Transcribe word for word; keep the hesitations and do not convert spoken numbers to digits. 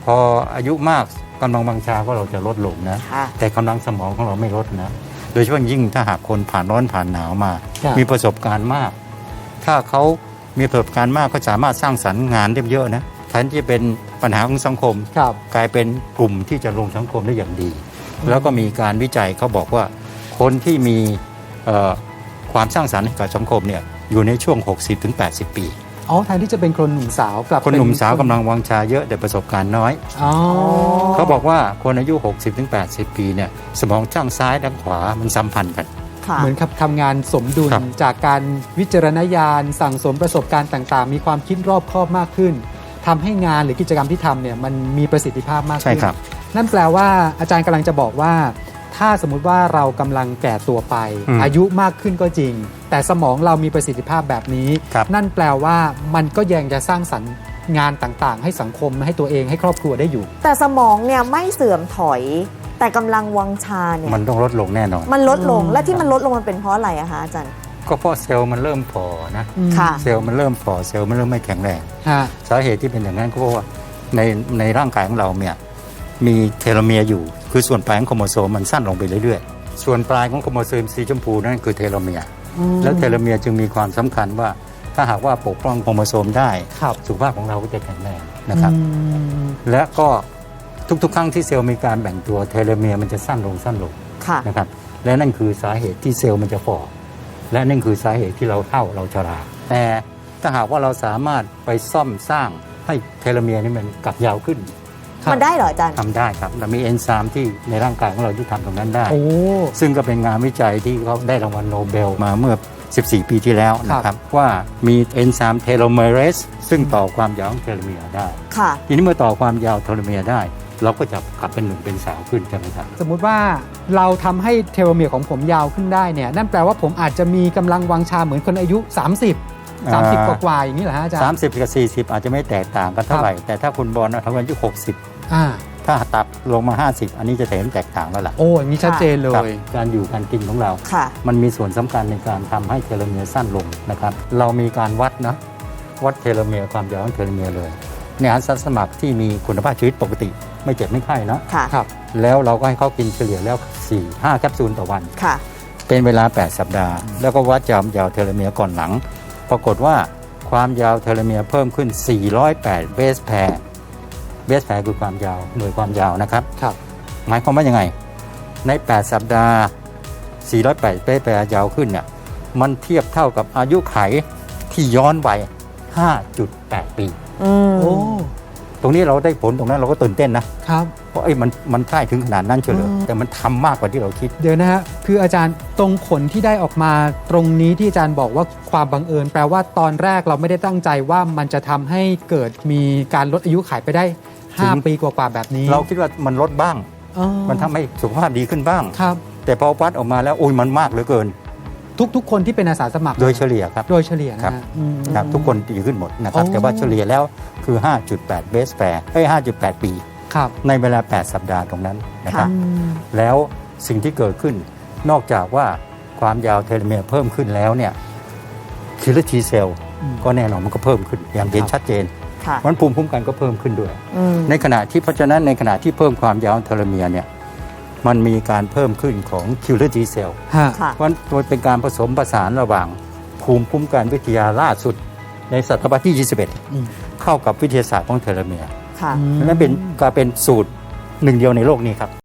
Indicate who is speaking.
Speaker 1: พออายุมากกำลังวังชาก็เราจะลดลงนะแต่กำลังสมองของเราไม่ลดนะโดยเฉพาะยิ่งถ้าหากคนผ่านร้อนผ่านหนาวมามีประสบการณ์มากถ้าเขามีประสบการณ์มากก็สามารถสร้างสรรค์งานได้เยอะนะแทนที่จะเป็นปัญหาของสังคมกลายเป็นกลุ่มที่จะลงสังคมได้อย่างดีแล้วก็มีการวิจัยเขาบอกว่าคนที่มีความสร้างสรรค์กับสังคมเนี่ยอยู่ในช่วง หกสิบถึงแปดสิบ ปี
Speaker 2: อ๋อแทนที่จะเป็นคนหนุ่มสาวกลับ
Speaker 1: คนหนุ่มสาวกำลังวังชาเยอะแต่ประสบการณ์น้อยอ๋อเขาบอกว่าคนอายุ หกสิบถึงแปดสิบ ปีเนี่ยสมองข้างซ้ายและขวามันสัมพันธ์กัน
Speaker 2: เหมือนกับทำงานสมดุลจากการวิจารณญาณสั่งสมประสบการณ์ต่างๆมีความคิดรอบคอบมากขึ้นทำให้งานหรือกิจกรรมที่ทำเนี่ยมันมีประสิทธิภาพมากขึ้นนั่นแปลว่าอาจารย์กำลังจะบอกว่าถ้าสมมุติว่าเรากำลังแก่ตัวไป อ, อายุมากขึ้นก็จริงแต่สมองเรามีประสิทธิภาพแบบนี้นั่นแปลว่ามันก็ยังจะสร้างสรรค์งานต่างๆให้สังคมให้ตัวเองให้ครอบครัวได้อยู่
Speaker 3: แต่สมองเนี่ยไม่เสื่อมถอยแต่กำลังวังชาเนี่ย
Speaker 1: มันต้องลดลงแน่นอน
Speaker 3: มันลดลงและที่มันลดลงมันเป็นเพราะอะไรอะคะอาจารย์
Speaker 1: ก็เพราะเซลล์มันเริ่มฝ่อนะเซลล์มันเริ่มฝ่อเซลล์มันเริ่มไม่แข็งแรงสาเหตุที่เป็นอย่างนั้นก็เพราะว่าในในร่างกายของเราเนี่ยมีเทโลเมียร์อยู่คือส่วนปลายของโครโมโซมมันสั้นลงไปเรื่อยๆส่วนปลายของโครโมโซมสีชมพูนั่นคือเทโลเมียร์แล้วเทโลเมียร์จึงมีความสำคัญว่าถ้าหากว่าปกป้องโครโมโซมได้สุขภาพของเราก็จะแข็งแรงนะครับและก็ทุกๆครั้งที่เซลล์มีการแบ่งตัวเทโลเมียร์มันจะสั้นลงสั้นลงนะครับและนั่นคือสาเหตุที่เซลล์มันจะฝ่อและนั่นคือสาเหตุที่เราเฒ่าเราชราแต่ถ้าหากว่าเราสามารถไปซ่อมสร้างให้เทโลเมียร์นี่มันกลับยาวขึ้น
Speaker 3: มันได้เหรออาจารย์
Speaker 1: ทำได้ครับเรามีเอนไซม์ที่ในร่างกายของเราที่ทำตรงนั้นได้ซึ่งก็เป็นงานวิจัยที่เขาได้รางวัลโนเบลมาเมื่อสิบสี่ปีที่แล้วนะครับว่ามีเอนไซม์เทโลเมเรสซึ่งต่อความยาวของเทโลเมียร์ได้ทีนี้เมื่อต่อความยาวเทโลเมียร์ได้เราก็จะกลับเป็นหนุ่มเป็นสาวขึ้นใช่ไหมครับ
Speaker 2: สมมุติว่าเราทำให้เทโลเมียร์ของผมยาวขึ้นได้เนี่ยนั่นแปลว่าผมอาจจะมีกำลังวังชาเหมือนคนอายุสามสิบ สามสิบกว่าๆอย่างนี้เหรอฮะอาจารย์
Speaker 1: สามสิบกับสี่สิบอาจจะไม่แตกต่างกันเท่าไหร่แต่ถ้าคุณบอลทำอายุหกสิบถ้าตัดลงมาห้าสิบอันนี้จะเห็นแตกต่างแล้วล่ะ
Speaker 2: โอ้อย่างนี้ชัดเจนเลย
Speaker 1: การอยู่การกินของเรามันมีส่วนสำคัญในการทำให้เทโลเมียร์สั้นลงนะครับเรามีการวัดนะวัดเทโลเมียร์ความยาวของเทโลเมียร์เลยในอาสาสมัครที่มีคุณภาพชีวิตปกติไม่เจ็บไม่ไข้นะครับแล้วเราก็ให้เขากินเฉลี่ยแล้ว สี่ถึงห้า แคปซูลต่อวันเป็นเวลาแปดสัปดาห์แล้วก็วัดความยาวเทโลเมียร์ก่อนหลังปรากฏว่าความยาวเทโลเมียร์เพิ่มขึ้นสี่ร้อยแปดเบสแพร์เบสแพร์คือความยาวหน่วยความยาวนะครับครับหมายความว่ายังไงในแปดสัปดาห์สี่ร้อยแปดเบสแพร์ยาวขึ้นเนี่ยมันเทียบเท่ากับอายุไขที่ย้อนวัย ห้าจุดแปด ปีโอ้ตรงนี้เราได้ผลตรงนั้นเราก็ตื่นเต้นนะครับเพราะไอ้มันมันใกล้ถึงขนาดนั้นเฉลยแต่มันทำมากกว่าที่เราคิด
Speaker 2: เดี๋ยวนะฮะคืออาจารย์ตรงผลที่ได้ออกมาตรงนี้ที่อาจารย์บอกว่าความบังเอิญแปลว่าตอนแรกเราไม่ได้ตั้งใจว่ามันจะทำให้เกิดมีการลดอายุขัยไปได้ห้าปีกว่าๆแบบนี้
Speaker 1: เราคิดว่ามันลดบ้างมันทำให้สุขภาพดีขึ้นบ้างครับแต่พอวัดออกมาแล้วโอ้ยมันมากเหลือเกิน
Speaker 2: ทุกๆคนที่เป็นอาสาสมัคร
Speaker 1: โดยเฉลี่ยครับ
Speaker 2: โดยเฉลี่ยนะครับ
Speaker 1: ครับทุกคนดีขึ้นหมดนะครับแต่ว่าเฉลี่ยแล้วคือ ห้าจุดแปด เบสแพร์เอ้ย ห้าจุดแปด ปีในเวลาแปดสัปดาห์ตรงนั้นนะครับแล้วสิ่งที่เกิดขึ้นนอกจากว่าความยาวเทโลเมียร์เพิ่มขึ้นแล้วเนี่ยคิลเลอร์ T เซลล์ก็แน่นอนมันก็เพิ่มขึ้นอย่างเห็นชัดเจนมันภูมิคุ้มกันก็เพิ่มขึ้นด้วยในขณะที่เพราะฉะนั้นในขณะที่เพิ่มความยาวเทโลเมียร์เนี่ยมันมีการเพิ่มขึ้นของ Killer T cell เพราะมันเป็นการผสมผสานระหว่างภูมิคุ้มกันวิทยาล่าสุดในศตวรรษที่ยี่สิบเอ็ดเข้ากับวิทยาศาสตร์ของเทโลเมียร์นั่นเป็นการเป็นสูตรหนึ่งเดียวในโลกนี้ครับ